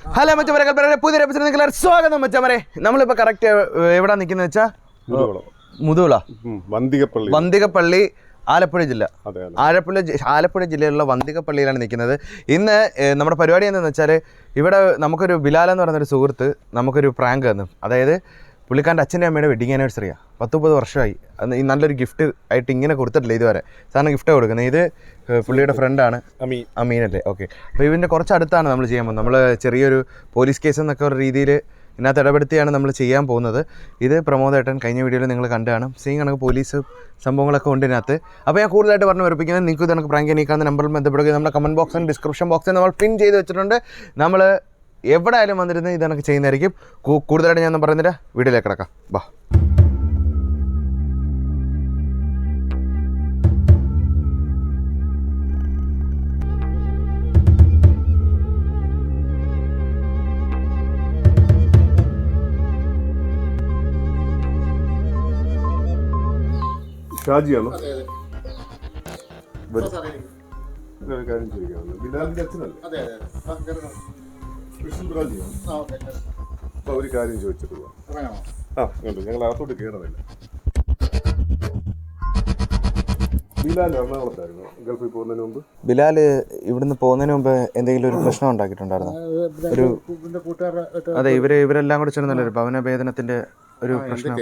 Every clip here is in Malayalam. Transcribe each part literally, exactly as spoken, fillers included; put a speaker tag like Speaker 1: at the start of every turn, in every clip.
Speaker 1: ഹലോ മച്ചമരെ കൽപ്പന പുതിയ എപ്പിസോഡ് നിങ്ങൾക്ക് സ്വാഗതം മച്ചമരെ. നമ്മളിപ്പോൾ കറക്റ്റ് എവിടെ നിൽക്കുന്നത് വെച്ചാൽ മുതുകുള
Speaker 2: വന്തികപ്പള്ളി
Speaker 1: വന്തികപ്പള്ളി ആലപ്പുഴ ജില്ല ആലപ്പുഴ ആലപ്പുഴ ജില്ലയിലുള്ള വന്തികപ്പള്ളിയിലാണ് നിൽക്കുന്നത്. ഇന്ന് നമ്മുടെ പരിപാടി എന്താണെന്ന് വെച്ചാൽ ഇവിടെ നമുക്കൊരു ബിലാൽ എന്ന് പറയുന്നൊരു സുഹൃത്ത് നമുക്കൊരു പ്രാങ്ക് തന്നു. അതായത് പുള്ളിക്കാരൻ്റെ അച്ഛൻ്റെ അമ്മയുടെ വെഡിങ് ആനിവേഴ്സറിയാണ്. പത്ത് മുപ്പത് വർഷമായി. ഈ നല്ലൊരു ഗിഫ്റ്റ് ആയിട്ട് ഇങ്ങനെ കൊടുത്തിട്ടില്ല ഇതുവരെ. സാറിന് ഗിഫ്റ്റ് കൊടുക്കുന്നത് ഇത് പുള്ളിയുടെ ഫ്രണ്ടാണ് അമീൻ അമീനല്ലേ. ഓക്കെ, അപ്പോൾ ഇതിൻ്റെ കുറച്ചടുത്താണ് നമ്മൾ ചെയ്യാൻ പോകുന്നത്. നമ്മൾ ചെറിയൊരു പോലീസ് കേസ് എന്നൊക്കെ ഒരു രീതിയിൽ ഇതിനകത്ത് ഇടപെടുത്തിയാണ് നമ്മൾ ചെയ്യാൻ പോകുന്നത്. ഇത് പ്രമോദേട്ടൻ കഴിഞ്ഞ വീഡിയോയിൽ നിങ്ങൾ കണ്ടു കാണും. സെയിം കണക്ക് പോലീസ് സംഭവങ്ങളൊക്കെ ഉണ്ട് ഇതിനകത്ത്. അപ്പോൾ ഞാൻ കൂടുതലായിട്ട് പറഞ്ഞു ഉറപ്പിക്കുന്നത് നിങ്ങൾക്ക് ഇത് കണക്ക് പ്രാങ്ക് എനിക്കാവുന്ന നമ്പറിൽ ബന്ധപ്പെടുക. നമ്മുടെ കമൻറ്റ് ബോക്സിലും ഡിസ്ക്രിപ്ഷൻ ബോക്സിൽ നമ്മൾ പിൻ ചെയ്ത് വെച്ചിട്ടുണ്ട്. നമ്മൾ എവിടെ ആയാലും വന്നിരുന്ന് ഇതൊക്കെ ചെയ്യുന്നതായിരിക്കും. കൂടുതലായിട്ട് ഞാൻ പറയുന്നില്ല, വീഡിയോയിലേക്ക് കിടക്കാം. ബാ.
Speaker 2: ഷാജിയാണോ? കാര്യം ചോദിക്കാവുന്നത് ബിലാലിന്റെ അച്ഛനല്ലേ? അപ്പൊ ഒരു കാര്യം ചോദിച്ചിട്ട് പോവാം. ആ കണ്ടു, ഞങ്ങൾ അകത്തോട്ട് കയറുന്നില്ല. ബിലാൽ എറണാകുളത്തായിരുന്നു ഗൾഫിൽ പോകുന്നതിന് മുമ്പ്.
Speaker 1: ബിലാൽ ഇവിടുന്ന് പോകുന്നതിന് മുമ്പ് എന്തെങ്കിലും ഒരു പ്രശ്നം ഉണ്ടാക്കിയിട്ടുണ്ടായിരുന്നു? ഒരു അതെ, ഇവര് ഇവരെല്ലാം കൂടെ ചേർന്നല്ലോ ഒരു ഭവനഭേദനത്തിന്റെ ഒരു പ്രശ്നം.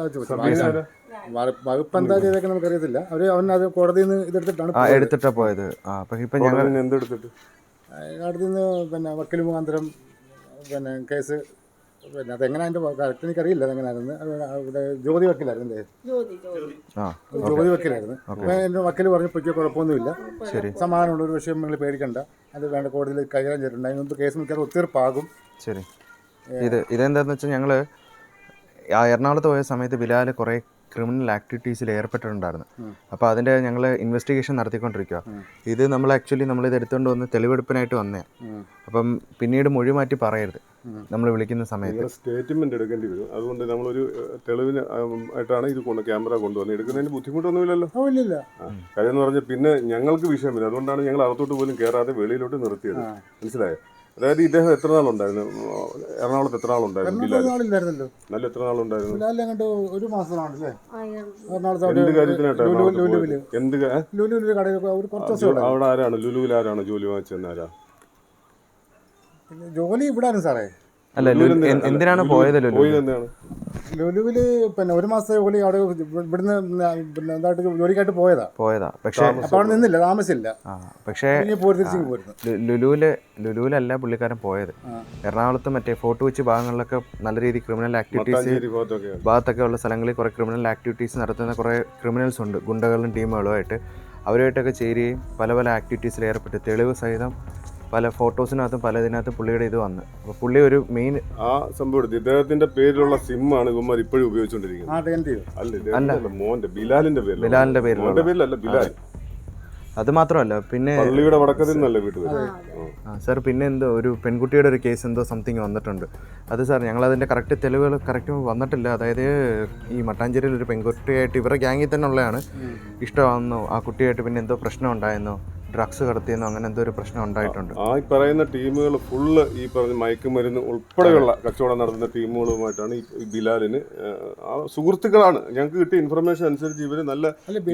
Speaker 3: വകുപ്പ് എന്താ ചെയ്തൊക്കെ നമുക്കറിയത്തില്ല. അവര് അവനത് കോടതിയിൽ നിന്ന് ഇതെടുത്തിട്ടാണ്
Speaker 1: എടുത്തിട്ടാ പോയത്. ആ അപ്പൊ ഇപ്പൊ ഞങ്ങൾ
Speaker 2: എന്തെടുത്തിട്ട്
Speaker 3: കോടതിയിൽ നിന്ന് പിന്നെ വക്കീൽ മുഖാന്തരം പിന്നെ കേസ് പിന്നെ അതെങ്ങനെ അതിന്റെ കറക്റ്റ് എനിക്കറിയില്ല അതെങ്ങനെയായിരുന്നു. ഇവിടെ ജ്യോതി വക്കീലായിരുന്നു, ജ്യോതി വക്കീലായിരുന്നു. അപ്പൊ എന്റെ വക്കീൽ പറഞ്ഞു പൊയ്ക്കോ, കുഴപ്പമൊന്നുമില്ല, സമാധാനമുള്ള ഒരു വിഷയം നിങ്ങൾ പേടിക്കണ്ട, അത് വേണ്ട കോടതിയിൽ കൈകാര്യം ചെയ്തിട്ടുണ്ട്. അതിന് മുമ്പ് കേസ് മിക്കവാറും ഒത്തീർപ്പാകും.
Speaker 1: ശരി. ഇത് ഇതെന്താന്ന് വെച്ചാൽ ഞങ്ങള് എറണാകുളത്ത് പോയ സമയത്ത് ബിലാൽ കുറേ ക്രിമിനൽ ആക്ടിവിറ്റീസിൽ ഏർപ്പെട്ടിട്ടുണ്ടായിരുന്നു. അപ്പോൾ അതിൻ്റെ ഞങ്ങൾ ഇൻവെസ്റ്റിഗേഷൻ നടത്തിക്കൊണ്ടിരിക്കുക. ഇത് നമ്മൾ ആക്ച്വലി നമ്മളിത് എടുത്തുകൊണ്ട് വന്ന് തെളിവെടുപ്പിനായിട്ട് വന്നേ. അപ്പം പിന്നീട് മൊഴി മാറ്റി പറയരുത് നമ്മൾ വിളിക്കുന്ന സമയത്ത്.
Speaker 2: സ്റ്റേറ്റ്മെന്റ് എടുക്കേണ്ടി വരും. അതുകൊണ്ട് നമ്മളൊരു തെളിവിന് ആയിട്ടാണ് ഇത് കൊണ്ട് ക്യാമറ കൊണ്ടുവന്ന് എടുക്കുന്നതിന് ബുദ്ധിമുട്ടൊന്നുമില്ലല്ലോ. കാര്യം എന്ന് പറഞ്ഞാൽ പിന്നെ ഞങ്ങൾക്ക് വിഷയമില്ല. അതുകൊണ്ടാണ് ഞങ്ങൾ അകത്തോട്ട് പോലും കയറാതെ വെളിയിലോട്ട് നിർത്തിയത്. മനസ്സിലായോ? അതായത് ഇദ്ദേഹം എത്ര നാളുണ്ടായിരുന്നു എറണാകുളത്ത്? എത്ര നാളുണ്ടായിരുന്നു
Speaker 3: നാളില്ലായിരുന്നല്ലോ.
Speaker 2: നല്ല എത്ര നാളുണ്ടായിരുന്നു?
Speaker 3: ഒരു മാസമാണല്ലേ.
Speaker 2: എന്ത് കാര്യത്തിനായിട്ടാണ്? എന്ത് അവിടെ ആരാണ് ലുലുവിൽ ആരാണ് ജോലി വാങ്ങിച്ചെന്ന്? ആരാ
Speaker 3: ജോലി ഇവിടെ സാറേ?
Speaker 1: അല്ല, എന്തിനാണ് പോയത്?
Speaker 2: പോയത് എന്താണ്?
Speaker 3: ലുലുവില് പിന്നെ ഒരു മാസത്തെ ജോലി അവിടെ ഇവിടുന്ന് പിന്നെ എന്തായിട്ട് ജോലിക്കായിട്ട് പോയതാ പോയതാ പക്ഷേ അപ്പൊ അവിടെ നിന്നില്ല, താമസിച്ചില്ല.
Speaker 1: പക്ഷേ ലുലുവില് ലുലുവിലല്ല പുള്ളിക്കാരൻ പോയത്. എറണാകുളത്ത് മറ്റേ ഫോർട്ട് കൊച്ചി ഭാഗങ്ങളിലൊക്കെ നല്ല രീതിയിൽ ക്രിമിനൽ ആക്ടിവിറ്റീസ് ഭാഗത്തൊക്കെ ഉള്ള സ്ഥലങ്ങളിൽ കുറെ ക്രിമിനൽ ആക്ടിവിറ്റീസ് നടത്തുന്ന കുറെ ക്രിമിനൽസ് ഉണ്ട്, ഗുണ്ടകളും ടീമുകളുമായിട്ട്. അവരുമായിട്ടൊക്കെ ചേരുകയും പല പല ആക്ടിവിറ്റീസിൽ ഏർപ്പെട്ട് തെളിവ് സഹിതം പല ഫോട്ടോസിനകത്തും പല ഇതിനകത്തും പുള്ളിയുടെ ഇത് വന്ന്. അപ്പോൾ പുള്ളി ഒരു മെയിൻ
Speaker 2: ആ സംഭവം ഇദ്ദേഹത്തിന്റെ പേരിലുള്ള സിമ്മാണ് ഇവന്മാർ ഇപ്പോഴും ഉപയോഗിച്ചുകൊണ്ടിരിക്കുന്നത്. അല്ല, മോന്റെ ബിലാലിന്റെ പേര്
Speaker 1: ബിലാലിന്റെ പേരിലല്ല
Speaker 2: ബിലാൽ.
Speaker 1: അത് മാത്രമല്ല, പിന്നെ
Speaker 2: പള്ളിയുടെ വടക്കത്തിൽ നിന്നല്ല വീട്ടിൽ.
Speaker 1: ആ സാർ, പിന്നെ എന്തോ ഒരു പെൺകുട്ടിയുടെ ഒരു കേസ് എന്തോ സംതിങ് വന്നിട്ടുണ്ട്. അത് സാർ ഞങ്ങൾ അതിൻ്റെ കറക്റ്റ് തെളിവുകൾ കറക്റ്റ് വന്നിട്ടില്ല. അതായത് ഈ മട്ടാഞ്ചേരിയിൽ ഒരു പെൺകുട്ടിയായിട്ട് ഇവരുടെ ഗ്യാങ്ങിൽ തന്നെ ഉള്ളതാണ്. ഇഷ്ടമാണെന്നോ ആ കുട്ടിയായിട്ട് പിന്നെ എന്തോ പ്രശ്നം ഉണ്ടായെന്നോ, ഡ്രഗ്സ് കടത്തിയെന്നോ അങ്ങനെ എന്തോ ഒരു പ്രശ്നം ഉണ്ടായിട്ടുണ്ട്.
Speaker 2: ആ പറയുന്ന ടീമുകൾ ഫുള്ള് ഈ പറഞ്ഞ മയക്കുമരുന്ന് ഉൾപ്പെടെയുള്ള കച്ചവടം നടത്തുന്ന ടീമുകളുമായിട്ടാണ് ഈ ബിലാലിന് സുഹൃത്തുക്കളാണ്. ഞങ്ങൾക്ക് കിട്ടിയ ഇൻഫർമേഷൻ അനുസരിച്ച് ഇവര് നല്ല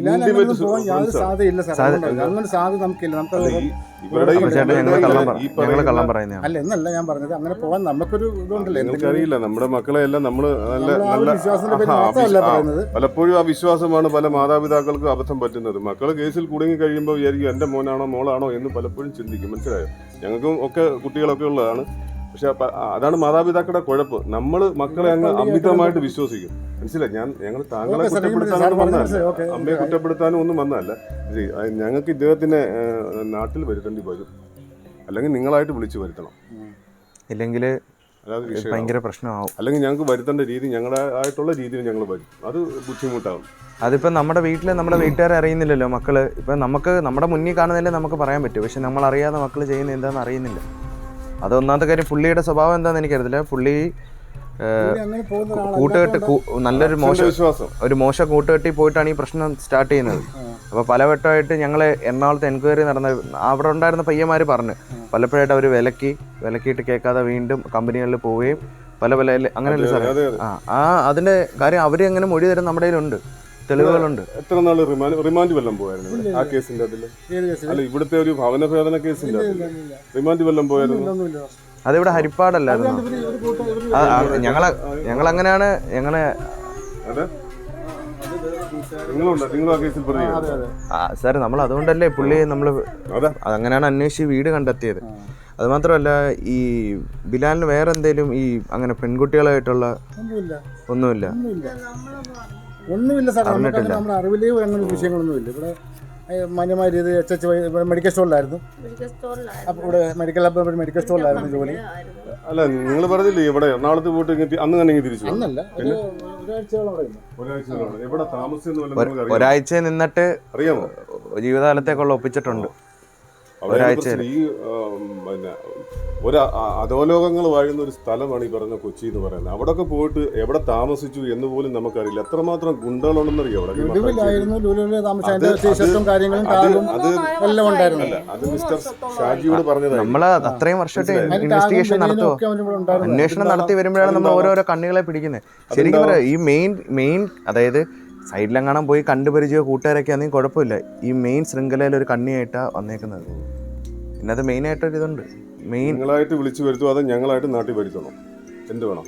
Speaker 3: എന്നല്ല ഞാൻ പറഞ്ഞത്. അങ്ങനെ പോകാൻ നമുക്കൊരു ഇതുണ്ടല്ലോ.
Speaker 2: എനിക്കറിയില്ല, നമ്മുടെ മക്കളെ എല്ലാം നമ്മള് നല്ല നല്ല പലപ്പോഴും ആ വിശ്വാസമാണ് പല മാതാപിതാക്കൾക്കും അബദ്ധം പറ്റുന്നത്. മക്കള് കേസിൽ കുടുങ്ങി കഴിയുമ്പോൾ വിചാരിക്കും എന്റെ മോൻ ാണോ മോളാണോ എന്ന് പലപ്പോഴും ചിന്തിക്കും. മനസ്സിലായോ? ഞങ്ങൾക്കും ഒക്കെ കുട്ടികളൊക്കെ ഉള്ളതാണ്. പക്ഷെ അതാണ് മാതാപിതാക്കളുടെ കുഴപ്പം. നമ്മൾ മക്കളെ അങ്ങ് അമിതമായിട്ട് വിശ്വസിക്കും. മനസ്സിലായി? ഞാൻ ഞങ്ങൾ താങ്കളെ കുറ്റപ്പെടുത്താനൊന്നും വന്നതല്ല, അമ്മയെ കുറ്റപ്പെടുത്താനും ഒന്നും വന്നതല്ല. ഞങ്ങൾക്ക് ഇദ്ദേഹത്തിനെ നാട്ടിൽ വരുത്തേണ്ടി വരും, അല്ലെങ്കിൽ നിങ്ങളായിട്ട് വിളിച്ചു വരുത്തണം,
Speaker 1: ഇല്ലെങ്കിൽ ഭയങ്കര പ്രശ്നമാവും.
Speaker 2: അല്ലെങ്കിൽ ഞങ്ങൾക്ക് വരുത്തേണ്ട രീതി ഞങ്ങളുടെ ആയിട്ടുള്ള രീതിയിൽ ഞങ്ങൾ വരും. അത് ബുദ്ധിമുട്ടാകും.
Speaker 1: അതിപ്പോൾ നമ്മുടെ വീട്ടിൽ നമ്മുടെ വീട്ടുകാരെ അറിയുന്നില്ലല്ലോ മക്കള്. ഇപ്പം നമുക്ക് നമ്മുടെ മുന്നിൽ കാണുന്നതിലേ നമുക്ക് പറയാൻ പറ്റും. പക്ഷെ നമ്മൾ അറിയാതെ മക്കൾ ചെയ്യുന്നത് എന്താണെന്ന് അറിയുന്നില്ല. അത് ഒന്നാമത്തെ കാര്യം. പുള്ളിയുടെ സ്വഭാവം എന്താണെന്ന് എനിക്കറിയത്തില്ല. പുള്ളി
Speaker 3: അങ്ങനെ പോകുന്ന
Speaker 1: കൂട്ടുകെട്ട് കൂ- നല്ലൊരു മോശം
Speaker 2: വിശ്വാസം
Speaker 1: ഒരു മോശം കൂട്ടുകെട്ടി പോയിട്ടാണ് ഈ പ്രശ്നം സ്റ്റാർട്ട് ചെയ്യുന്നത്. അപ്പോൾ പലവട്ടമായിട്ട് ഞങ്ങൾ എറണാകുളത്ത് എൻക്വയറി നടന്ന അവിടെ ഉണ്ടായിരുന്ന പയ്യന്മാർ പറഞ്ഞു പലപ്പോഴായിട്ട് അവർ വിലക്കി വിലക്കിയിട്ട് കേൾക്കാതെ വീണ്ടും കമ്പനികളിൽ പോവുകയും പല പല അങ്ങനെയല്ലേ സാറേ?
Speaker 2: അതെ, അതെ.
Speaker 1: ആ ആ അതിൻ്റെ കാര്യം അവർ എങ്ങനെ മൊഴി തരും നമ്മുടെ കയ്യിലുണ്ട്, തെളിവുകളുണ്ട്.
Speaker 2: എത്ര നാള് റിമാൻഡ് റിമാൻഡ് വല്ലതും പോയായിരുന്നു ഇവിടെ? ആ കേസിന്റെ അതില്
Speaker 3: ഏത് കേസിൽ
Speaker 2: അല്ല ഇവിടുത്തെ ഒരു ഭവന ഭേദന കേസിന്റെ റിമാൻഡ് വല്ലതും പോയായിരുന്നു?
Speaker 3: ഒന്നുമില്ല.
Speaker 1: അതിവിടെ ഹരിപ്പാടല്ലായിരുന്നു.
Speaker 3: ഇവര് ഒരു കൂട്ടം ഒരു
Speaker 1: ആ, ആ, ഞങ്ങളെ ഞങ്ങളങ്ങനെയാണ് ഞങ്ങളെ
Speaker 2: അതെ നിങ്ങളുണ്ട് നിങ്ങളും ആ കേസിൽ പ്രതിയാണ്.
Speaker 3: അതെ അതെ
Speaker 1: ആ, സാർ നമ്മൾ അതുകൊണ്ടല്ലേ പുള്ളി നമ്മൾ
Speaker 2: അതെ
Speaker 1: അങ്ങനെയാണ് അന്വേഷിച്ച് വീട് കണ്ടെത്തിയത്. അതുമാത്രമല്ല ഈ ബിലാലിന് വേറെ എന്തെങ്കിലും ഈ അങ്ങനെ പെൺകുട്ടികളായിട്ടുള്ള
Speaker 3: ഒന്നുമില്ല
Speaker 1: ഒന്നുമില്ല.
Speaker 3: ഒന്നുമില്ല ഒന്നുമില്ല സാർ. നമുക്ക് നമ്മുടെ അറിവിലേ അങ്ങനെ വിഷയങ്ങളൊന്നുമില്ല. ഇവിടെ മാന്യമായ രീതി എച്ച് എച്ച് മെഡിക്കൽ സ്റ്റോറിലായിരുന്നു. അപ്പോൾ ഇവിടെ മെഡിക്കൽ മെഡിക്കൽ സ്റ്റോറിലായിരുന്നു ജോലി.
Speaker 2: അല്ല നിങ്ങൾ പറഞ്ഞില്ലേ ഇവിടെ എറണാകുളത്ത് പോയിട്ട് ഇങ്ങ് അന്ന് തന്നെ ഇങ്ങ് തിരിച്ചു വന്നു?
Speaker 3: അന്നല്ല, ഒരു ഒരാഴ്ചയോളം അവിടെ ഇരുന്നു.
Speaker 2: ഒരാഴ്ച എവിടെ താമസിച്ചെന്ന് വല്ലതും നിങ്ങൾക്ക് അറിയാമോ?
Speaker 1: ഒരാഴ്ച നിന്നിട്ട്
Speaker 2: അറിയാമോ?
Speaker 1: ജീവിതകാലത്തേക്കുള്ള ഒപ്പിച്ചിട്ടുണ്ട്.
Speaker 2: അവിടെ പ്രശ്നം ഈ ആം, പിന്നെ ഒരു അ- അധോലോകങ്ങൾ വാഴുന്ന ഒരു സ്ഥലമാണ് ഈ പറഞ്ഞ കൊച്ചി എന്ന് പറയുന്നത്. അവിടെയൊക്കെ പോയിട്ട് എവിടെ താമസിച്ചു എന്ന് പോലും നമുക്കറിയില്ല. എത്രമാത്രം ഗുണ്ടകളുണ്ടെന്നറിയോ അവിടെ? ഈ മട്ടാഞ്ചേരി.
Speaker 3: ലുലുവിലായിരുന്നു. ലുലുവിൽ താമസിച്ച
Speaker 2: അത്
Speaker 3: അതിന്റെ ടീഷർട്ടും കാര്യങ്ങളും
Speaker 2: അത്
Speaker 3: ടാഗും
Speaker 2: അത്
Speaker 3: എല്ലാം ഉണ്ടായിരുന്നു.
Speaker 2: അല്ല അത് മിസ്റ്റർ ഷാജിയോട് പറഞ്ഞതായി.
Speaker 1: നമ്മൾ അത്രയും വർഷമായിട്ട്
Speaker 3: അതിന്റെ
Speaker 1: ഇൻവെസ്റ്റിഗേഷൻ
Speaker 3: ടാഗും
Speaker 1: നടത്തുമോ?
Speaker 3: ഒക്കെ അവൻ്റെ കൂടെ ഉണ്ടായിരുന്നു.
Speaker 1: അന്വേഷണം നടത്തി വരുമ്പോഴാണ് നമ്മൾ ഓരോരോ കണ്ണികളെ പിടിക്കുന്നത്. ശരിക്കും പറയാം ഈ മെയിൻ മെയിൻ അതായത് സൈഡിലെങ്ങാനും പോയി കണ്ടുപരിചയോ കൂട്ടുകാരൊക്കെ ആണെങ്കിൽ കുഴപ്പമില്ല. ഈ മെയിൻ ശൃംഖലയിൽ ഒരു കണ്ണിയായിട്ടാണ് വന്നേക്കുന്നത്. പിന്നെ അത് മെയിനായിട്ടൊരു ഇതുണ്ട്. മെയിൻ
Speaker 2: നിങ്ങളായിട്ട് വിളിച്ചു വരുത്തുമോ അതോ ഞങ്ങളായിട്ട് നാട്ടിൽ വരുത്തണോ? എന്ത് വേണം?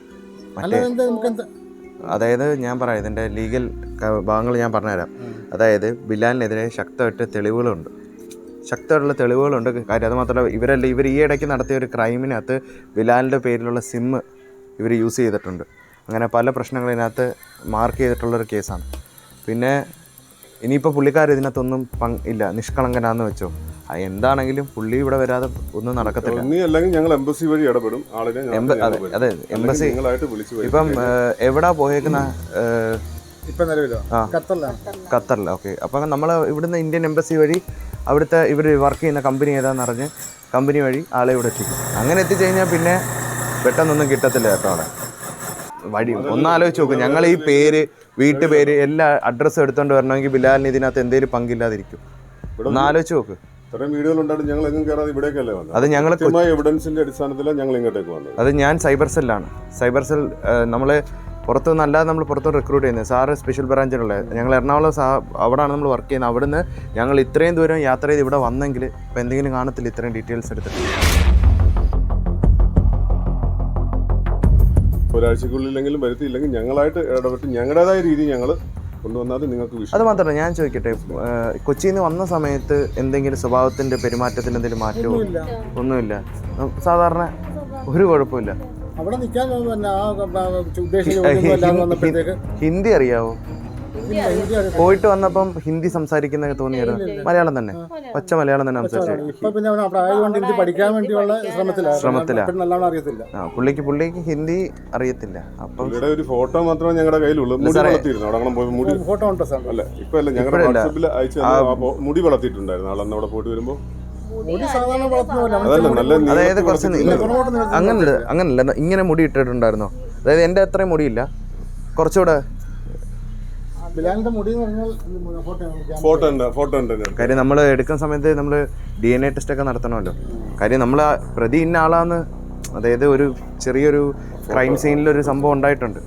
Speaker 3: അല്ല
Speaker 1: മറ്റേ
Speaker 3: എന്താ നമുക്ക് എന്താ
Speaker 1: അതായത് ഞാൻ പറയാം ഇതിൻ്റെ ലീഗൽ ഭാഗങ്ങൾ ഞാൻ പറഞ്ഞുതരാം. അതായത് ബിലാലിനെതിരെ ശക്തമായിട്ട് തെളിവുകളുണ്ട്, ശക്തമായിട്ടുള്ള തെളിവുകളുണ്ട്. കാര്യം അത് മാത്രമല്ല ഇവരല്ല ഇവർ ഈ ഇടയ്ക്ക് നടത്തിയ ഒരു ക്രൈമിനകത്ത് ബിലാലിൻ്റെ പേരിലുള്ള സിമ്മ് ഇവർ യൂസ് ചെയ്തിട്ടുണ്ട്. അങ്ങനെ പല പ്രശ്നങ്ങളിനകത്ത് മാർക്ക് ചെയ്തിട്ടുള്ളൊരു കേസാണ്. പിന്നെ ഇനിയിപ്പോൾ പുള്ളിക്കാർ ഇതിനകത്തൊന്നും പങ്ക് ഇല്ല, നിഷ്കളങ്കനാന്ന് വെച്ചോ. എന്താണെങ്കിലും പുള്ളി ഇവിടെ വരാതെ ഒന്നും നടക്കത്തില്ല.
Speaker 2: നീ അല്ലെങ്കിൽ ഞങ്ങൾ എംബസി വഴി ഇടപെടും ആളിനെ.
Speaker 1: എംബ- അതെ അതെ എംബസി
Speaker 2: നിങ്ങളായിട്ട് വിളിച്ചു വരും.
Speaker 1: ഇപ്പം ഏഹ്, എവിടാ പോയേക്കുന്ന ഏഹ്,
Speaker 3: ഇപ്പൊ നിലവിലോ
Speaker 1: ആ.
Speaker 3: ഖത്തറിലാണ്.
Speaker 1: ഖത്തറിൽ. ഓക്കെ. അപ്പം നമ്മൾ ഇവിടുന്ന് ഇന്ത്യൻ എംബസി വഴി അവിടുത്തെ ഇവർ വർക്ക് ചെയ്യുന്ന കമ്പനി ഏതാണെന്ന് അറിഞ്ഞ് കമ്പനി വഴി ആളെ ഇവിടെ എത്തിക്കും. അങ്ങനെ എത്തിക്കഴിഞ്ഞാൽ പിന്നെ പെട്ടെന്നൊന്നും കിട്ടത്തില്ല കേട്ടോ അവിടെ വഴി. ഒന്നാലോചിച്ച് നോക്കും, ഞങ്ങൾ ഈ പേര് വീട്ടുപേര് എല്ലാ അഡ്രസ്സും എടുത്തുകൊണ്ട് വരണമെങ്കിൽ ബിലാലിന് ഇതിനകത്ത് എന്തെങ്കിലും പങ്കില്ലാതിരിക്കും. ഒന്നാലോചിച്ച് നോക്ക്.
Speaker 2: ഇത്രയും വീഡിയോകൾ ഉണ്ടായിട്ട് ഞങ്ങൾ എങ്ങും കയറാതെ ഇവിടേക്കല്ലേ വന്നത്?
Speaker 1: അത് ഞങ്ങൾ
Speaker 2: കൃത്യമായ എവിഡൻസിന്റെ അടിസ്ഥാനത്തിലാണ് ഞങ്ങൾ ഇങ്ങോട്ടേക്ക് വന്നത്.
Speaker 1: അത് ഞാൻ സൈബർ സെല്ലാണ്. സൈബർ സെൽ നമ്മൾ പുറത്തുനിന്ന് അല്ലാതെ നമ്മൾ പുറത്തുനിന്ന് റിക്രൂട്ട് ചെയ്യുന്നത്. സാറ് സ്പെഷ്യൽ ബ്രാഞ്ചിലുള്ള ഞങ്ങൾ എറണാകുളം സാ അവിടെയാണ് നമ്മൾ വർക്ക് ചെയ്യുന്നത്. അവിടുന്ന് ഞങ്ങൾ ഇത്രയും ദൂരം യാത്ര ചെയ്ത് ഇവിടെ വന്നെങ്കിൽ ഇപ്പം എന്തെങ്കിലും കാണത്തില്ല ഇത്രയും ഡീറ്റെയിൽസ് എടുത്തിട്ട്.
Speaker 2: ഒരാഴ്ചക്കുള്ളിലെങ്കിലും വരുത്തിയില്ലെങ്കിൽ ഞങ്ങളായിട്ട് ഇടപെട്ട് ഞങ്ങളുടേതായ രീതി ഞങ്ങൾ കൊണ്ടുവന്നാൽ നിങ്ങൾക്ക്
Speaker 1: അത്
Speaker 2: വിഷയം.
Speaker 1: മാത്രമല്ല ഞാൻ ചോദിക്കട്ടെ, ഏഹ്, കൊച്ചിയിൽ നിന്ന് വന്ന സമയത്ത് എന്തെങ്കിലും സ്വഭാവത്തിൻ്റെ പെരുമാറ്റത്തിൽ എന്തെങ്കിലും മാറ്റമോ?
Speaker 3: ഒന്നുമില്ല.
Speaker 1: ഒന്നുമില്ല. സാധാരണ ഒരു കുഴപ്പമില്ല.
Speaker 3: അവിടെ നിൽക്കാൻ പിന്നെ ആ ഉദ്ദേശിച്ച ജോലിയൊന്നും അല്ലാതെ വന്നപ്പോഴത്തേക്ക്
Speaker 1: ഹിന്ദി അറിയാവോ?
Speaker 3: ഇല്ല, ഹിന്ദി അറിയാം.
Speaker 1: പോയിട്ട് വന്നപ്പം ഹിന്ദി സംസാരിക്കുന്ന തോന്നിയായിരുന്നു? മലയാളം തന്നെ, പച്ച മലയാളം തന്നെ സംസാരിച്ചു.
Speaker 3: ഇപ്പൊ പിന്നെ അവൻ അവിടെ ആയതുകൊണ്ട് ഹിന്ദി പഠിക്കാൻ വേണ്ടിയുള്ള ശ്രമത്തിലാണ്.
Speaker 1: ശ്രമത്തിലാ.
Speaker 3: പിന്നെ നല്ലോണം അറിയത്തില്ല.
Speaker 1: ആ പുള്ളിക്ക് പുള്ളിക്ക് ഹിന്ദി അറിയത്തില്ല. അപ്പം
Speaker 2: ഇവിടെ ഒരു ഫോട്ടോ മാത്രമേ ഞങ്ങളുടെ കയ്യിലുള്ളൂ. മുടി വളർത്തിയിരുന്നു അവിടെ അങ്ങനെ പോയി മുടി
Speaker 3: ഫോട്ടോ ഉണ്ട് സാർ.
Speaker 2: അല്ല ഇപ്പൊ അല്ല ഞങ്ങളുടെ
Speaker 1: ഇപ്പഴല്ല.
Speaker 2: വാട്സപ്പിൽ അയച്ചു തന്ന ആ ഫോ- മുടി വളർത്തിയിട്ടുണ്ടായിരുന്നു ആളന്ന് അവിടെ പോയിട്ട് വരുമ്പോ.
Speaker 3: മുടി സാധാരണ വളർത്തുന്നില്ല.
Speaker 2: അതല്ല നല്ല
Speaker 1: അതായത്
Speaker 2: നീളത്തിൽ
Speaker 1: കുറച്ച്
Speaker 2: വളർത്തിയിട്ടുണ്ട്.
Speaker 1: അങ്ങനല്ല അങ്ങനല്ല ഇങ്ങനെ മുടി ഇട്ടിട്ടുണ്ടായിരുന്നോ? അതായത് എൻ്റെ അത്രയും മുടിയില്ല, കുറച്ചുകൂടെ.
Speaker 3: ബിലാലിന്റെ മുടി എന്ന് പറഞ്ഞാൽ ഫോട്ടോ
Speaker 2: ഫോട്ടോ ഉണ്ട് ഫോട്ടോ ഉണ്ട് എൻ്റെ അടുത്ത്.
Speaker 1: കാര്യം നമ്മൾ എടുക്കുന്ന സമയത്ത് നമ്മൾ ഡി എൻ എ ടെസ്റ്റ് ഒക്കെ നടത്തണമല്ലോ. കാര്യം നമ്മൾ പ്രതി ഇന്ന ആളാന്ന്, അതായത് ഒരു ചെറിയൊരു ക്രൈം സീനിലൊരു സംഭവം ഉണ്ടായിട്ടുണ്ട്.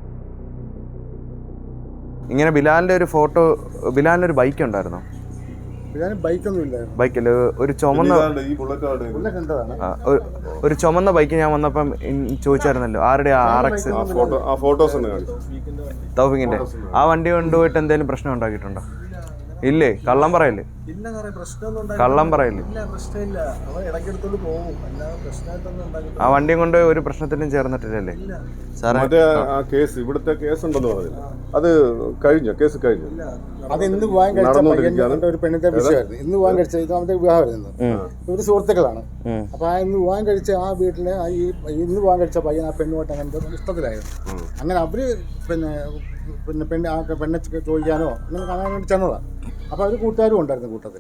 Speaker 1: ഇങ്ങനെ ബിലാലിൻ്റെ ഒരു ഫോട്ടോ, ബിലാലിൻ്റെ ഒരു ബൈക്ക് ഉണ്ടായിരുന്നോ?
Speaker 3: ബിലാലിന് ബൈക്കൊന്നും ഇല്ലായിരുന്നു.
Speaker 1: ബൈക്കിൽ ഒരു ചുമന്ന
Speaker 2: ഇതാണ്ട് ഈ ബുള്ളറ്റ് ആണ്.
Speaker 3: പുള്ളിയൊക്കെ കണ്ടതാണ്.
Speaker 1: ആ, ഒരു- ഒരു ചുമന്ന ബൈക്ക് ഞാൻ വന്നപ്പം ഇൻ- ചോദിച്ചായിരുന്നല്ലോ ആരുടെ ആർ എക്സ്
Speaker 2: ആ ഫോട്ടോ ആ ഫോട്ടോസ് ഒന്ന് കാണിച്ചു.
Speaker 1: തൗഫിക്കിന്റെ. ആ വണ്ടി കൊണ്ടുപോയിട്ട് എന്തെങ്കിലും പ്രശ്നം ഉണ്ടാക്കിയിട്ടുണ്ടോ? ഇല്ലേ? കള്ളം പറയല്ലേ?
Speaker 4: ഇല്ല സാറേ, പ്രശ്നമൊന്നും
Speaker 1: കള്ളം പറയല്ലേ?
Speaker 4: ഇല്ല, പ്രശ്നമില്ല. അവൻ ഇടയ്ക്കെടുത്തോണ്ട് പോകും, അല്ലാതെ പ്രശ്നമായിട്ടൊന്നും ഉണ്ടാക്കിയിട്ടില്ല.
Speaker 1: ആ വണ്ടിയും കൊണ്ട് ഒരു പ്രശ്നത്തിനും ചേർന്നിട്ടില്ലല്ലേ സാറേ?
Speaker 2: മറ്റേ ആ കേസ് ഇവിടുത്തെ കേസ് ഉണ്ടെന്ന് പറഞ്ഞില്ല, അത് കഴിഞ്ഞോ? കേസ് കഴിഞ്ഞു.
Speaker 3: അത് ഇന്ന് വിവാഹം കഴിച്ച
Speaker 2: നടന്നുകൊണ്ടിരിക്കുകയാണ്.
Speaker 3: പയ്യന്റെ ഒരു പെണ്ണിന്റെ വിഷയമായിരുന്നു. ഇന്ന് വിവാഹം കഴിച്ച ഇത് അവന്റെ വിവാഹമായിരുന്നു. ഇവര് സുഹൃത്തുക്കളാണ്.
Speaker 1: ഉം.
Speaker 3: അപ്പൊ ആ ഇന്ന് വിവാഹം കഴിച്ച ആ വീട്ടിലെ ആ ഈ ഇന്ന് വിവാഹം കഴിച്ച പയ്യൻ ആ പെണ്ണുമായിട്ട് അങ്ങനെ ഇഷ്ടത്തിലായിരുന്നു. അങ്ങനെ അവര് പിന്നെ പിന്നെ പെണ്ണ് ആ പെണ്ണെ ചോദിക്കാനോ അങ്ങനെ കാണാൻ വേണ്ടി ചെന്നതാണ്. അപ്പൊ അവര് കൂട്ടുകാരും ഉണ്ടായിരുന്നു കൂട്ടത്തിൽ.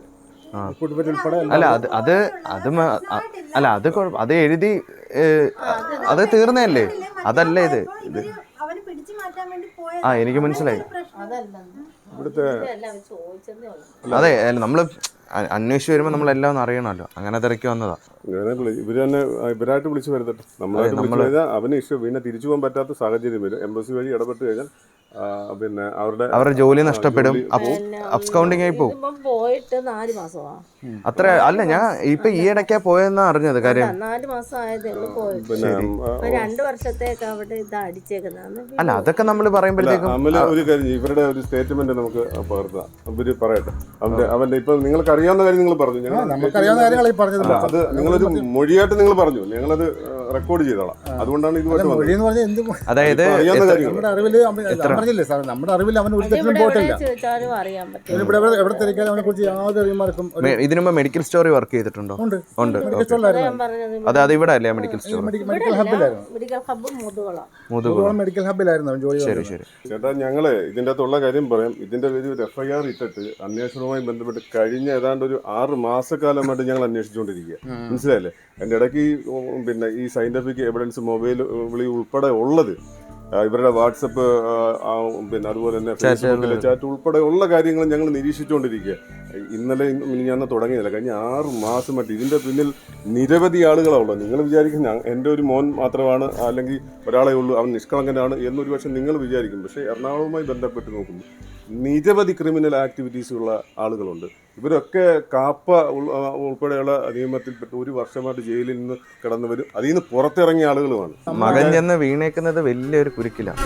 Speaker 3: കുടുംബത്തിൽ ഉൾപ്പെടെ
Speaker 1: അല്ല അത് അത് അത് മ- അ- അല്ല അത് കുഴപ്പ- അത് എഴുതി ഏ, അത് തീർന്നതല്ലേ, അതല്ല ഇത് ഇത്
Speaker 5: അവന് പിടിച്ചു മാറ്റാൻ വേണ്ടി പോയ
Speaker 1: ആ എനിക്ക് മനസ്സിലായി.
Speaker 2: ഇവിടുത്തെ
Speaker 1: അതെ നമ്മൾ അന്വേഷിച്ച് വരുമ്പോൾ നമ്മളെല്ലാം ഒന്ന് അറിയണമല്ലോ, അങ്ങനെ തിരക്കി വന്നതാ.
Speaker 2: ഇവരെ വിളി- ഇവര് തന്നെ ആ, ഇവരായിട്ട് വിളിച്ച് വരുത്തട്ടെ. നമ്മളായിട്ട് വിളിച്ചു കഴിഞ്ഞാൽ അവന് ഇഷ്യൂ പിന്നെ തിരിച്ചു പോകാൻ പറ്റാത്ത സാഹചര്യം വരും. എംബസി വഴി ഇടപെട്ട് കഴിഞ്ഞാൽ ആ, പിന്നെ അവരുടെ
Speaker 1: അവരുടെ ജോലി നഷ്ടപ്പെടും, അബ്സ്കൗണ്ടിങ് ആയി പോകും.
Speaker 6: ഇതിപ്പം പോയിട്ട് നാല് മാസമാ
Speaker 1: അത്ര അല്ല, ഞാൻ ഇപ്പൊ ഈ ഇടയ്ക്കാ പോയെന്നാ അറിഞ്ഞത് കാര്യം.
Speaker 6: നാല് മാസം ആയതേ ഉള്ളൂ പോയിട്ട്.
Speaker 2: പിന്നെ ആ,
Speaker 6: ഇപ്പൊ രണ്ടു വർഷത്തേക്ക് അവിടെ ഇത് അടിച്ചേക്കുന്നതാണ്.
Speaker 1: അല്ല അതൊക്കെ നമ്മൾ പറയുമ്പോഴത്തേക്കും
Speaker 2: അമല ഒരു കാര്യം ചെയ്യ്. ഇവരുടെ ഒരു സ്റ്റേറ്റ്മെന്റ് നമുക്ക് പകർത്താം. ഇവര് പറയട്ടെ. അവന്റെ അവന്റെ ഇപ്പൊ നിങ്ങൾക്ക് അറിയാവുന്ന കാര്യം നിങ്ങൾ പറഞ്ഞു. ഞങ്ങൾ
Speaker 3: നമുക്കറിയാവുന്ന കാര്യങ്ങൾ ഈ പറഞ്ഞത്
Speaker 2: അല്ല, അത് നിങ്ങളൊരു മൊഴിയായിട്ട് നിങ്ങൾ പറഞ്ഞു. ഞങ്ങളത് റെക്കോർഡ് ചെയ്തോളാം. അതുകൊണ്ടാണ് ഇതുമായിട്ട് വന്നത്.
Speaker 3: മൊഴി എന്ന് പറഞ്ഞാൽ എന്ത്
Speaker 1: അതായത്
Speaker 2: അറിയാവുന്ന കാര്യങ്ങൾ
Speaker 3: നമ്മുടെ അറിവിൽ പറഞ്ഞില്ലേ സാർ, നമ്മുടെ അറിവിൽ അവൻ ഒരു തെറ്റിനും
Speaker 6: ഇവിടെ
Speaker 3: പോയിട്ടില്ല.
Speaker 6: എവിടെ ചോദിച്ചാലും അറിയാൻ പറ്റും.
Speaker 3: ഇവിടെ എവിടെ എവിടെ തിരക്കാലും അവനെ കുറിച്ച് യാതൊരു അറിയുമാർക്കും
Speaker 1: മെ- ഇതിനു മുമ്പ് മെഡിക്കൽ സ്റ്റോറി വർക്ക് ചെയ്തിട്ടുണ്ടോ?
Speaker 3: ഉണ്ട്.
Speaker 1: ഉണ്ട്.
Speaker 3: Medical
Speaker 1: okay.
Speaker 3: സ്റ്റോറിലായിരുന്നു.
Speaker 6: ഞാൻ പറഞ്ഞത്
Speaker 1: അത് അത് ഇവിടെ അല്ലേ മെഡിക്കൽ സ്റ്റോർ?
Speaker 3: മെഡിക്കൽ മെഡിക്കൽ ഹബിലായിരുന്നു.
Speaker 6: Medical hub Muthukulam.
Speaker 1: Muthukulam.
Speaker 3: Medical ഹബിലായിരുന്നു അവൻ ജോലി
Speaker 1: ശരി
Speaker 3: ചെയ്തത്.
Speaker 1: ശരി.
Speaker 2: ചേട്ടാ, ഞങ്ങള് ഇതിന്റെ അകത്തുള്ള കാര്യം പറയാം. ഇതിന്റെ പേര് ഒരു എഫ് ഐ ആർ ഇട്ടിട്ട് അന്വേഷണവുമായി ബന്ധപ്പെട്ട് കഴിഞ്ഞ ഏതാണ്ട് ഒരു ആറ് മാസക്കാലമായിട്ട് ഞങ്ങൾ അന്വേഷിച്ചുകൊണ്ടിരിക്കുക. മനസ്സിലായില്ലേ? അതിന്റെ ഇടയ്ക്ക് ഈ, ഉം, പിന്നെ ഈ സയന്റിഫിക് എവിഡൻസ് മൊബൈൽ വിളി ഉൾപ്പെടെ ഉള്ളത്, ആ, ഇവരുടെ വാട്സപ്പ്, ആ, ആ, പിന്നെ അതുപോലെ തന്നെ ഫേസ്ബുക്കിലെ ചാറ്റ് ഉൾപ്പെടെ ഉള്ള കാര്യങ്ങൾ ഞങ്ങൾ നിരീക്ഷിച്ചുകൊണ്ടിരിക്കുക. ഇന്നലെ ഞാൻ തുടങ്ങിയതല്ല, കഴിഞ്ഞ ആറ് മാസമായിട്ട് ഇതിന്റെ പിന്നിൽ നിരവധി ആളുകളാണ് ഉള്ളത്. നിങ്ങൾ വിചാരിക്കും ഞാൻ എൻ്റെ ഒരു മോൻ മാത്രമാണ് അല്ലെങ്കിൽ ഒരാളെ ഉള്ളൂ, അവൻ നിഷ്കളങ്കനാണ് എന്നൊരു പക്ഷേ നിങ്ങൾ വിചാരിക്കും. പക്ഷേ എറണാകുളവുമായി ബന്ധപ്പെട്ട് നോക്കുന്നു നിരവധി ക്രിമിനൽ ആക്ടിവിറ്റീസ് ഉള്ള ആളുകളുണ്ട്. ഇവരൊക്കെ കാപ്പ ഉൾ- ഉൾപ്പെടെയുള്ള നിയമത്തിൽപ്പെട്ട് ഒരു വർഷമായിട്ട് ജയിലിൽ നിന്ന് കിടന്നവരും അതിൽ നിന്ന് പുറത്തിറങ്ങിയ ആളുകളുമാണ്.
Speaker 1: മകൻ ചെന്ന് വീണേക്കുന്നത് വലിയൊരു കുരുക്കിലാണ്.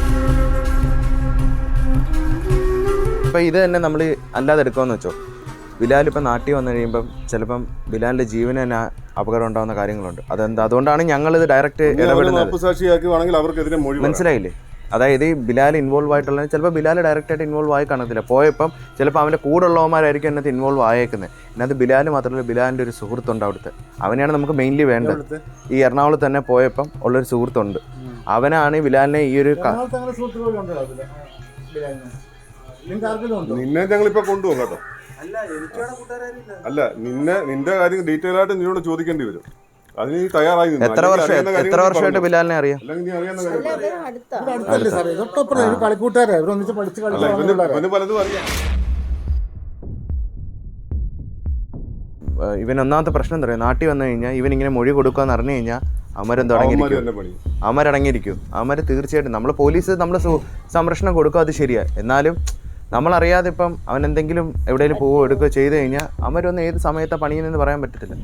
Speaker 1: ഇപ്പൊ ഇത് തന്നെ നമ്മൾ അല്ലാതെ എടുക്കാമെന്ന് വെച്ചോ, ബിലാൽ ഇപ്പം നാട്ടിൽ വന്നു കഴിയുമ്പം ചിലപ്പം ബിലാലിന്റെ ജീവന് തന്നെ അപകടം ഉണ്ടാകുന്ന കാര്യങ്ങളുണ്ട്. അതെന്താ, അതുകൊണ്ടാണ് ഞങ്ങളിത് ഡയറക്റ്റ് ഇടപെടുന്നത്.
Speaker 2: മാപ്പുസാക്ഷിയാക്കുവാണെങ്കിൽ അവർക്കെതിരെ മൊഴി പറയാം.
Speaker 1: മനസ്സിലായില്ലേ? അതായത് ഈ ബിലാൽ ഇൻവോൾവ് ആയിട്ടുള്ള, ചിലപ്പോൾ ബിലാൽ ഡയറക്റ്റ് ആയിട്ട് ഇൻവോൾവ് ആയി കാണത്തില്ല. പോയപ്പം ചിലപ്പോൾ അവൻ്റെ കൂടെ ഉള്ളവന്മാരായിരിക്കും അതിനകത്ത് ഇൻവോൾവ് ആയേക്കുന്നത്. ഇതിനകത്ത് ബിലാൽ മാത്രമല്ല, ബിലാലിൻ്റെ ഒരു സുഹൃത്തുണ്ട് അവിടുത്തെ. അവനെയാണ് നമുക്ക് മെയിൻലി വേണ്ടത്. ഈ എറണാകുളത്ത് തന്നെ പോയപ്പം ഉള്ളൊരു സുഹൃത്തുണ്ട്. അവനാണ് ഈ ബിലാലിനെ ഈ ഒരു ക-
Speaker 3: എറണാകുളത്ത് അങ്ങനെ സുഹൃത്തുക്കളുണ്ടോ അതില്? ബിലാലിന്. നിങ്ങൾക്ക് ആർക്കെങ്കിലും ഉണ്ടോ?
Speaker 2: നിന്നെ ഞങ്ങളിപ്പോ കൊണ്ടുപോകും കേട്ടോ.
Speaker 4: അല്ല എനിക്കവിടെ കൂട്ടുകാരില്ല.
Speaker 2: അല്ല, നിന്നെ നിന്റെ കാര്യം ഡീറ്റെയിൽ ആയിട്ട് നിന്നോട് ചോദിക്കേണ്ടി വരും. അതിന് നീ തയ്യാറായി നിന്നോ.
Speaker 1: എത്ര
Speaker 2: അല്ലെങ്കിൽ
Speaker 1: വർഷം
Speaker 2: അറിയാവുന്ന
Speaker 1: എത്ര
Speaker 2: കാര്യങ്ങൾ നീ
Speaker 1: വർഷമായിട്ട്
Speaker 2: പറഞ്ഞോ.
Speaker 1: ബിലാലിനെ അറിയാം?
Speaker 2: അല്ലെങ്കിൽ നീ അറിയാവുന്ന
Speaker 6: അല്ല,
Speaker 2: കാര്യം പറ.
Speaker 6: ഇവര് അടുത്താ.
Speaker 3: ഇവിടെ അടുത്തല്ലേ സാറേ? തൊട്ടപ്പുറം ഒരു കളിക്കൂട്ടുകാരാ, ഇവർ ഒന്നിച്ച് പഠിച്ച്
Speaker 2: അല്ല,
Speaker 3: കളിച്ചു
Speaker 2: ഇവന് ഇവന് പലതും അറിയാം.
Speaker 1: ഏഹ് ഇവൻ ഒന്നാമത്തെ പ്രശ്നം എന്താ പറയുക, നാട്ടിൽ വന്നു കഴിഞ്ഞാൽ ഇവൻ ഇങ്ങനെ മൊഴി കൊടുക്കാന്ന് അറിഞ്ഞു കഴിഞ്ഞാൽ അമരം
Speaker 2: അവന്മാര്
Speaker 1: തുടങ്ങിയിരിക്കും.
Speaker 2: തന്നെ പണി.
Speaker 1: അമരടങ്ങിയിരിക്കും. അമര് തീർച്ചയായിട്ടും നമ്മൾ പോലീസ് നമ്മൾ സംരക്ഷണം കൊടുക്കും, അത് ശരിയാ. എന്നാലും നമ്മളറിയാതെ ഇപ്പം അവൻ എന്തെങ്കിലും എവിടെയെങ്കിലും പോവോ എടുക്കുകയോ ചെയ്ത് കഴിഞ്ഞാൽ അമരൊന്നും ഏത് സമയത്താണ് പണിയുന്നതെന്ന് പറയാൻ പറ്റത്തില്ല.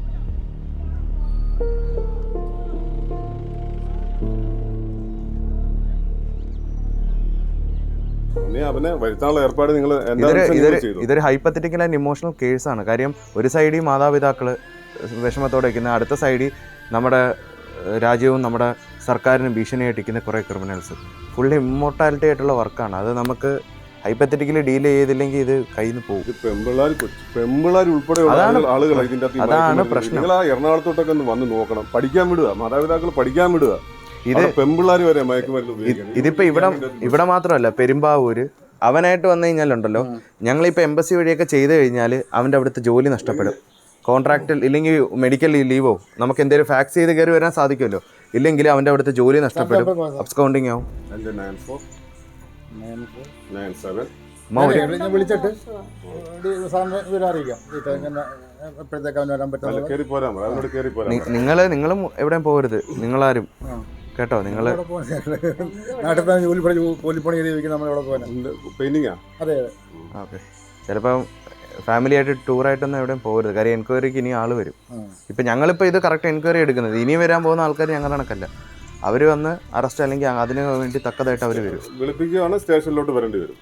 Speaker 2: നീ അവനെ വരുത്താനുള്ള ഏർപ്പാട് നിങ്ങൾ
Speaker 1: ഇതൊരു ഇതൊരു
Speaker 2: ചെയ്തു.
Speaker 1: ഇതൊരു ഹൈപ്പത്തറ്റിക്കൽ ആൻഡ് ഇമോഷണൽ കേസാണ്. കാര്യം ഒരു സൈഡിൽ മാതാപിതാക്കൾ വിഷമത്തോടെ ഇരിക്കുന്ന, അടുത്ത സൈഡിൽ നമ്മുടെ ഏഹ്, രാജ്യവും നമ്മുടെ സർക്കാരിനും ഭീഷണിയായിട്ടിരിക്കുന്ന കുറേ ക്രിമിനൽസ്. ഫുള്ളി ഇമ്മോർട്ടാലിറ്റി ആയിട്ടുള്ള വർക്കാണ്. അത് നമുക്ക് ഹൈപ്പത്തറ്റിക്കലി ഡീൽ ചെയ്തില്ലെങ്കിൽ ഇത് കയ്യിൽ നിന്ന് പോകും.
Speaker 2: പെമ്പിള്ളാർ പെമ്പിള്ളാർ ഉൾപ്പെടെയുള്ള
Speaker 1: അതാണ്
Speaker 2: ആളുകൾ- ആളുകളാണ് ഇതിന്റെ അകത്ത് ഈ
Speaker 1: അതാണ്
Speaker 2: മയക്കുമരുന്ന്.
Speaker 1: പ്രശ്നം.
Speaker 2: നിങ്ങൾ ആ എറണാകുളത്തോട്ടൊക്കെ ഒന്ന് വന്ന് നോക്കണം. പഠിക്കാൻ വിടുക, മാതാപിതാക്കൾ പഠിക്കാൻ വിടുക.
Speaker 1: ഇത്
Speaker 2: പെമ്പിള്ളാർ വരെ മയക്കുമരുന്ന് ഉപയോഗിക്കുന്നത്.
Speaker 1: ഇതിപ്പോൾ ഇവിടെ ഇവിടെ മാത്രമല്ല, പെരുമ്പാവൂര് അവനായിട്ട് വന്നു കഴിഞ്ഞാലുണ്ടല്ലോ, ഞങ്ങളിപ്പോൾ എംബസി വഴിയൊക്കെ ചെയ്ത് കഴിഞ്ഞാൽ അവൻ്റെ അവിടുത്തെ ജോലി നഷ്ടപ്പെടും. കോൺട്രാക്റ്റിൽ ഇല്ലെങ്കിൽ മെഡിക്കൽ ലീവോ നമുക്ക് എന്തെങ്കിലും ഫാക്സ് ചെയ്ത് കയറി വരാൻ സാധിക്കുമല്ലോ. ഇല്ലെങ്കിൽ അവൻ്റെ അവിടുത്തെ ജോലി നഷ്ടപ്പെടും, അബ്സ്കൗണ്ടിങ് ആവും.
Speaker 2: എൻ്റെ nine four nine seven
Speaker 1: Maurya
Speaker 3: ഞാൻ വിളിച്ചിട്ട് സാറിന് വിവരം അറിയിക്കാം. ഇങ്ങനെ എപ്പോഴത്തേക്ക് അവന് വരാൻ
Speaker 2: അല്ല,
Speaker 3: പറ്റുന്നത്.
Speaker 2: കയറി പോരാൻ പറ. അവനോട് കയറി പോരാൻ പറ.
Speaker 1: നിങ്ങൾ നിങ്ങളും എവിടെയും പോകരുത്, നിങ്ങളാരും കേട്ടോ. നിങ്ങൾ
Speaker 3: നാട്ടിൽ തന്നെ ജോലി പണി കൂലിപ്പണി ചെയ്ത് ചോദിക്കും നമ്മളെവിടെ പോകാൻ.
Speaker 2: പെയിന്റിങ്ങാ?
Speaker 3: അതെ അതെ.
Speaker 1: ഓക്കെ. ചിലപ്പം ഫാമിലി ആയിട്ട് ടൂറായിട്ടൊന്നും എവിടെയും പോകരുത്. കാര്യം എൻക്വയറിക്ക് ഇനി ആൾ വരും. ഇപ്പം ഞങ്ങളിപ്പോൾ ഇത് കറക്റ്റ് എൻക്വയറി എടുക്കുന്നത്, ഇനി വരാൻ പോകുന്ന ആൾക്കാർ ഞങ്ങൾ കണക്കല്ല. അവർ വന്ന് അറസ്റ്റ് അല്ലെങ്കിൽ അതിന് വേണ്ടി തക്കതായിട്ട് അവർ വരും.
Speaker 2: വിളിപ്പിക്കുകയാണ്, സ്റ്റേഷനിലോട്ട് വരേണ്ടി വരും.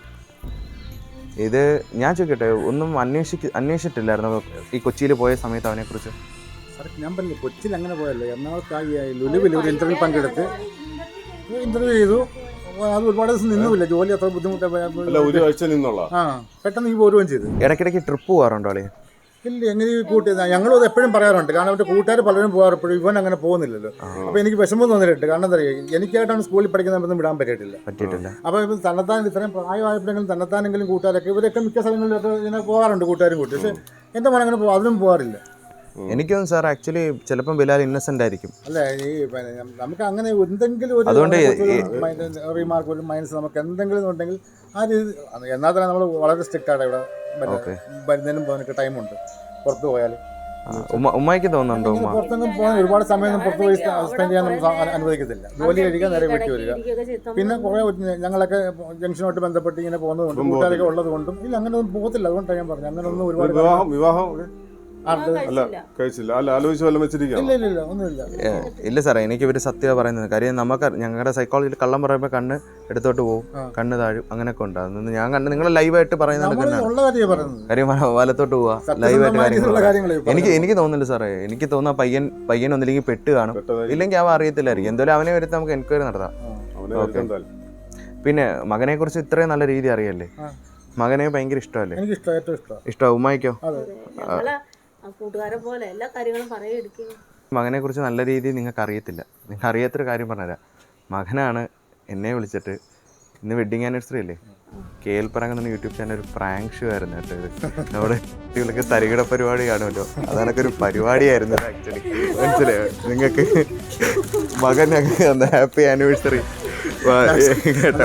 Speaker 1: ഇത് ഞാൻ ചോദിക്കട്ടെ, ഒന്നും അന്വേഷിക്ക അന്വേഷിച്ചിട്ടില്ലായിരുന്നു ഈ കൊച്ചിയിൽ പോയ സമയത്ത് അവനെക്കുറിച്ച്?
Speaker 3: സാർ ഞാൻ പറഞ്ഞില്ല, കൊച്ചിയിൽ അങ്ങനെ പോയല്ലോ. എറണാകുളത്ത് ലുലുവിൽ ഒരു ഇന്റർവ്യൂ പങ്കെടുത്ത് ഇന്റർവ്യൂ ചെയ്തു. അത് ഒരുപാട് ദിവസം നിന്നുമില്ല, ജോലി അത്ര ബുദ്ധിമുട്ടായി.
Speaker 2: അല്ല, ഒരു ആഴ്ച നിന്നുള്ള
Speaker 3: ആ പെട്ടെന്ന് ഈ പോരുകയും ചെയ്തു.
Speaker 1: ഇടയ്ക്കിടയ്ക്ക് ട്രിപ്പ് പോകാറുണ്ടോ അല്ലേ?
Speaker 3: ഇല്ല എങ്ങനെ ഈ കൂട്ടി ഞങ്ങളും അത് എപ്പോഴും പറയാറുണ്ട്. കാരണം അവരുടെ കൂട്ടുകാർ പലരും പോകാറപ്പോഴും ഇവൻ അങ്ങനെ പോകുന്നില്ലല്ലോ. അപ്പോൾ എനിക്ക് വിഷമം തോന്നിയിട്ടുണ്ട്. കാരണം എന്താ പറയുക, എനിക്കായിട്ടാണ് സ്കൂളിൽ പഠിക്കുന്നതൊന്നും വിടാൻ പറ്റിയിട്ടില്ല
Speaker 1: പറ്റിയിട്ടില്ല.
Speaker 3: അപ്പോൾ ഇപ്പം തന്നെത്താൻ ഇത്രയും പ്രായമായപ്പോഴെങ്കിലും തന്നെത്താനെങ്കിലും കൂട്ടുകാരൊക്കെ ഇവരൊക്കെ മിക്ക സ്ഥലങ്ങളിലൊക്കെ ഇങ്ങനെ പോകാറുണ്ട് കൂട്ടുകാരും കൂട്ടി. പക്ഷേ എൻ്റെ മോൻ അങ്ങനെ പോകും, അതിനും പോകാറില്ല.
Speaker 1: എനിക്കും സാർ ആക്ച്വലി ചിലപ്പം ബിലാൽ ഇന്നസെന്റ് ആയിരിക്കും.
Speaker 3: അല്ല ഈ പിന്നെ നമുക്ക് അങ്ങനെ എന്തെങ്കിലും ഒരു
Speaker 1: അതുകൊണ്ട്
Speaker 3: റീമാർക്ക് ഒരു മൈനസ് നമുക്ക് എന്തെങ്കിലും ഉണ്ടെങ്കിൽ ആ രീതി എന്നാൽ തന്നെ നമ്മൾ വളരെ സ്ട്രിക്റ്റ് ആണ് ഇവിടെ. വരുന്നതിനും പോകുന്നതിനൊക്കെ ടൈമുണ്ട്. പുറത്ത് പോയാൽ
Speaker 1: ഉമ്മയ്ക്ക് തോന്നുന്നുണ്ടോ? ഉമ്മ
Speaker 3: പുറത്തൊന്നും പോകാൻ ഒരുപാട് സമയം പുറത്ത് പോയി സ്പെൻഡ് ചെയ്യാൻ നമുക്ക് അനുവദിക്കത്തില്ല. ജോലി കഴിക്കാൻ നേരെ വീട്ടിൽ വരിക. പിന്നെ കുറേ ഞങ്ങളൊക്കെ ജംഗ്ഷനുമായിട്ട് ബന്ധപ്പെട്ട് ഇങ്ങനെ പോകുന്നതുകൊണ്ടും കൂട്ടുകാരൊക്കെ ഉള്ളത് കൊണ്ടും ഇല്ല അങ്ങനെ ഒന്നും പോകത്തില്ല. അതുകൊണ്ടാണ് ഞാൻ പറഞ്ഞു അങ്ങനെ ഒന്നും ഒരുപാട്
Speaker 2: വിവാഹം വിവാഹം
Speaker 6: കഴിച്ചില്ല.
Speaker 2: കഴിച്ചില്ല. അല്ല ആലോചിച്ച് വല്ലതും വെച്ചിരിക്കാം.
Speaker 3: ഇല്ല ഇല്ല ഇല്ല ഒന്നുമില്ല.
Speaker 1: ഇല്ല സാറേ, എനിക്ക് ഇവർ സത്യം പറയുന്നത് കാര്യം നമുക്ക് ഞങ്ങളുടെ സൈക്കോളജിയിൽ കള്ളം പറയുമ്പോൾ കണ്ണ് എടുത്തോട്ട് പോകും, കണ്ണ് താഴും, അങ്ങനെയൊക്കെ ഉണ്ട്. അതൊന്നും ഞാൻ കണ്ട് നിങ്ങൾ ലൈവായിട്ട് പറയുന്നത് കാര്യം വലത്തോട്ട് പോവാ ലൈവായിട്ട് കാര്യങ്ങൾ എനിക്ക് എനിക്ക് തോന്നുന്നില്ല സാറേ. എനിക്ക് തോന്നുന്ന പയ്യൻ പയ്യൻ ഒന്നില്ലെങ്കിൽ പെട്ട് കാണും, ഇല്ലെങ്കിൽ അവ അറിയത്തില്ലായിരിക്കും. എന്തായാലും അവനെ വരുത്തി നമുക്ക് എൻക്വയറി നടത്താം. ഓക്കെ. പിന്നെ മകനെ കുറിച്ച് ഇത്രയും നല്ല രീതി അറിയല്ലേ? മകനെ ഭയങ്കര ഇഷ്ടമല്ലേ? ഇഷ്ടമാണ്. ഉമ്മായിക്കോ?
Speaker 6: കൂട്ടുകാരെ പോലെ എല്ലാ കാര്യങ്ങളും പറയെടുക്കും.
Speaker 1: മകനെ കുറിച്ച് നല്ല രീതിയിൽ നിങ്ങൾക്ക് അറിയത്തില്ല. നിങ്ങൾക്ക് അറിയാത്തൊരു കാര്യം പറഞ്ഞുതരാം. മകനാണ് എന്നെ വിളിച്ചിട്ട് ഇന്ന് വെഡിങ് ആനിവേഴ്സറി അല്ലേ, കേൾപ്പറങ്ങ് എന്ന യൂട്യൂബ് ചാനൽ ഒരു പ്രാങ്ക് ഷോ ആയിരുന്നു കേട്ടോ. ഇത് നമ്മുടെ കുട്ടികൾക്ക് തരികിട പരിപാടി കാണുമല്ലോ, അതൊക്കെ ഒരു പരിപാടിയായിരുന്നു ആക്ച്വലി. മനസ്സിലായോ നിങ്ങൾക്ക്? മകനൊക്കെ ഒന്ന് ഹാപ്പി ആനിവേഴ്സറി കേട്ടോ.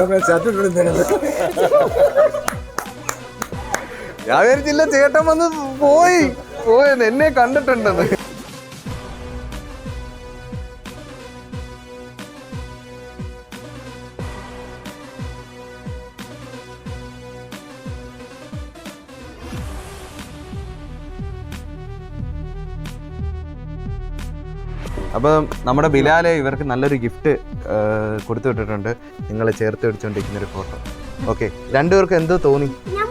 Speaker 1: ഞാൻ വിചാരിച്ചില്ല ചേട്ടൻ വന്ന് പോയി പോയെന്ന്, എന്നെ കണ്ടിട്ടുണ്ടെന്ന്. അപ്പം നമ്മുടെ ബിലാലെ ഇവർക്ക് നല്ലൊരു ഗിഫ്റ്റ് കൊടുത്തു വിട്ടിട്ടുണ്ട്. നിങ്ങളെ ചേർത്ത് പിടിച്ചുകൊണ്ടിരിക്കുന്ന ഒരു ഫോട്ടോ. ഓക്കെ, രണ്ടുപേർക്ക് എന്തോ തോന്നി?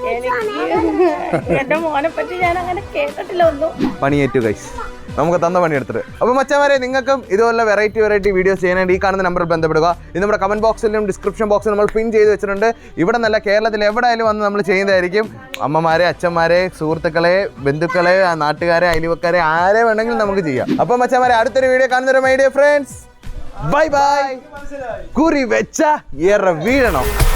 Speaker 6: എന്റെ മോനെ പറ്റി ഞാൻ അങ്ങനെ കേട്ടിട്ടില്ല ഒന്നും.
Speaker 1: പണിയേറ്റു ഗൈസ്, നമുക്ക് തന്ന പണിയെടുത്തിട്ട്. അപ്പോൾ മച്ചാമാരെ, നിങ്ങൾക്കും ഇതുപോലെ വെറൈറ്റി വെറൈറ്റി വീഡിയോസ് ചെയ്യാനായിട്ട് ഈ കാണുന്ന നമ്പറിൽ ബന്ധപ്പെടുക. ഇത് നമ്മുടെ കമന്റ് ബോക്സിലും ഡിസ്ക്രിപ്ഷൻ ബോക്സിലും നമ്മൾ പിൻ ചെയ്ത് വെച്ചിട്ടുണ്ട്. ഇവിടെ നല്ല കേരളത്തിൽ എവിടെയായാലും വന്ന് നമ്മൾ ചെയ്യുന്നതായിരിക്കും. അമ്മമാരെ, അച്ഛന്മാരെ, സുഹൃത്തുക്കളെ, ബന്ധുക്കളെ, നാട്ടുകാരെ, അയൽവക്കാരെ, ആരെ വേണമെങ്കിലും നമുക്ക് ചെയ്യാം. അപ്പോൾ മച്ചാമാരെ, അടുത്തൊരു വീഡിയോ കാണുന്നൊരു my dear friends, bye bye. കുറി വെച്ച ഏറെ വീഴണം.